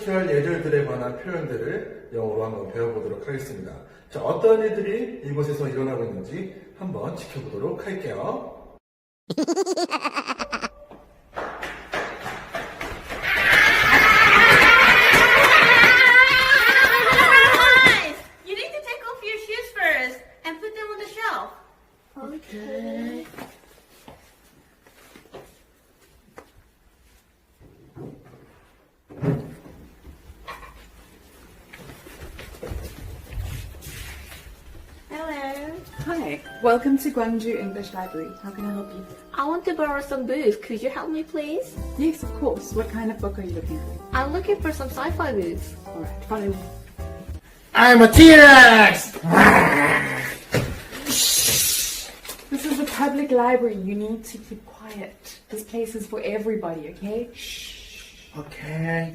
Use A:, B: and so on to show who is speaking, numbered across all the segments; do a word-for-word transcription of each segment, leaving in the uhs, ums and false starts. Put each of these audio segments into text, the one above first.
A: 취할 예절들에 관한 표현들을 영어로 한번 배워보도록 하겠습니다. 자, 어떤 일들이 이곳에서 일어나고 있는지 한번 지켜보도록 할게요.
B: Guys, you need to take off your shoes first and put them on the shelf.
C: Okay.
B: Hello.
C: Hi, welcome to Gwangju English Library. How can I help you?
B: I want to borrow some books. Could you help me, please?
C: Yes, of course. What kind of book are you looking for?
B: I'm looking for some sci-fi books.
C: Alright, follow me.
D: I'm a T-Rex!
C: This is a public library. You need to keep quiet. This place is for everybody, okay? Shh.
D: Okay.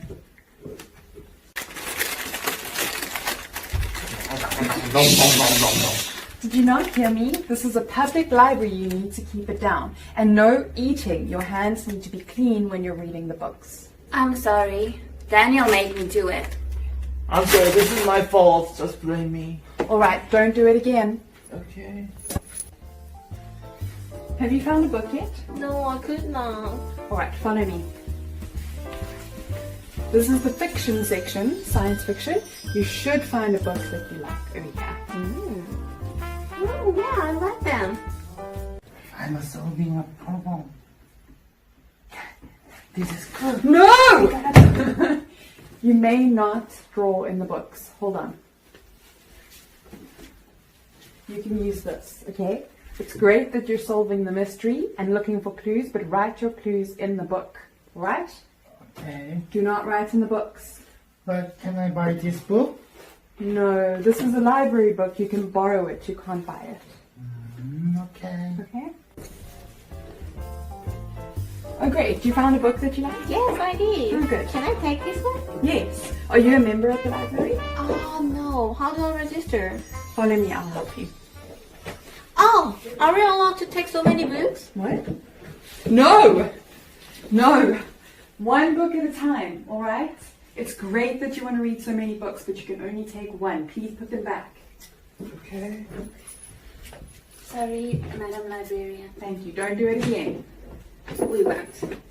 C: Did you not hear me? This is a public library. You need to keep it down. And no eating. Your hands need to be clean when you're reading the books.
B: I'm sorry. Daniel made me do it.
D: I'm sorry, this is my fault. Just blame me.
C: Alright, don't do it again.
D: Okay.
C: Have you found a book yet?
B: No, I could not.
C: Alright, follow me. This is the fiction section, science fiction. You should find a book that you like over here.
B: Mm. Oh, yeah, I like them.
D: I'm solving a problem. This is good.
C: No! You may not draw in the books. Hold on. You can use this, okay? It's great that you're solving the mystery and looking for clues, but write your clues in the book, right?
D: Okay.
C: Do not write in the books.
D: But can I buy this book?
C: No, this is a library book. You can borrow it. You can't buy it.
D: Mm, okay.
C: Okay? Oh, great. You found a book that you like?
B: Yes, I did.
C: Oh, good.
B: Can I take this one?
C: Yes. Are you a member of the library?
B: Oh, no. How do I register?
C: Follow me. I'll help you.
B: Oh, are we allowed to take so many books?
C: What? No! No! One book at a time, alright? It's great that you want to read so many books, but you can only take one. Please put them back.
D: Okay.
B: Sorry, Madam Librarian.
C: Thank you. Don't do it again.
B: We won't.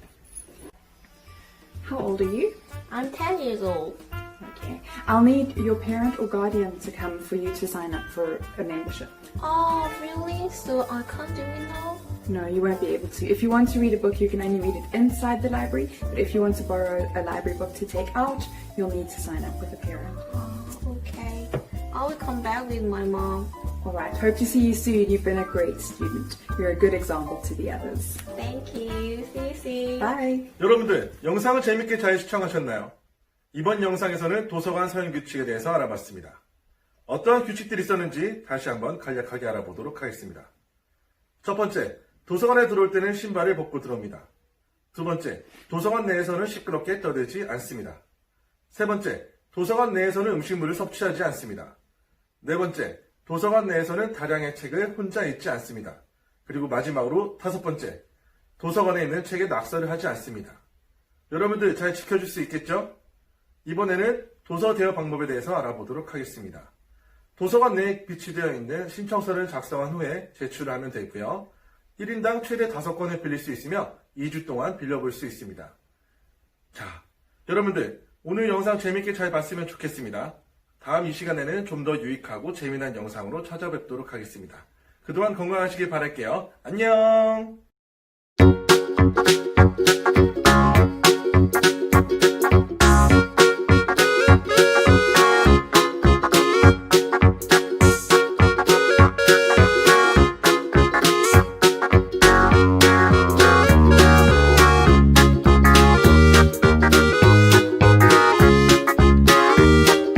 C: How old are you?
B: I'm ten years old.
C: Okay. I'll need your parent or guardian to come for you to sign up for a membership.
B: Oh, really? So I can't do it now?
C: No, you won't be able to. If you want to read a book, you can only read it inside the library. But if you want to borrow a library book to take out, you'll need to sign up with a parent.
B: Oh, okay. I will come back with my mom.
C: Alright, hope to see you soon. You've been a great student. You're a good example to the others.
B: Thank you. See you soon.
C: Bye!
A: 여러분들, 영상을 재밌게 잘 시청하셨나요? 이번 영상에서는 도서관 사용 규칙에 대해서 알아봤습니다. 어떠한 규칙들이 있었는지 다시 한번 간략하게 알아보도록 하겠습니다. 첫 번째, 도서관에 들어올 때는 신발을 벗고 들어옵니다. 두 번째, 도서관 내에서는 시끄럽게 떠들지 않습니다. 세 번째, 도서관 내에서는 음식물을 섭취하지 않습니다. 네 번째, 도서관 내에서는 다량의 책을 혼자 읽지 않습니다. 그리고 마지막으로 다섯 번째, 도서관에 있는 책에 낙서를 하지 않습니다. 여러분들 잘 지켜줄 수 있겠죠? 이번에는 도서 대여 방법에 대해서 알아보도록 하겠습니다. 도서관 내에 비치되어 있는 신청서를 작성한 후에 제출을 하면 되고요. 일 인당 최대 다섯 권을 빌릴 수 있으며 이 주 동안 빌려볼 수 있습니다. 자, 여러분들 오늘 영상 재밌게 잘 봤으면 좋겠습니다. 다음 이 시간에는 좀 더 유익하고 재미난 영상으로 찾아뵙도록 하겠습니다. 그동안 건강하시길 바랄게요. 안녕!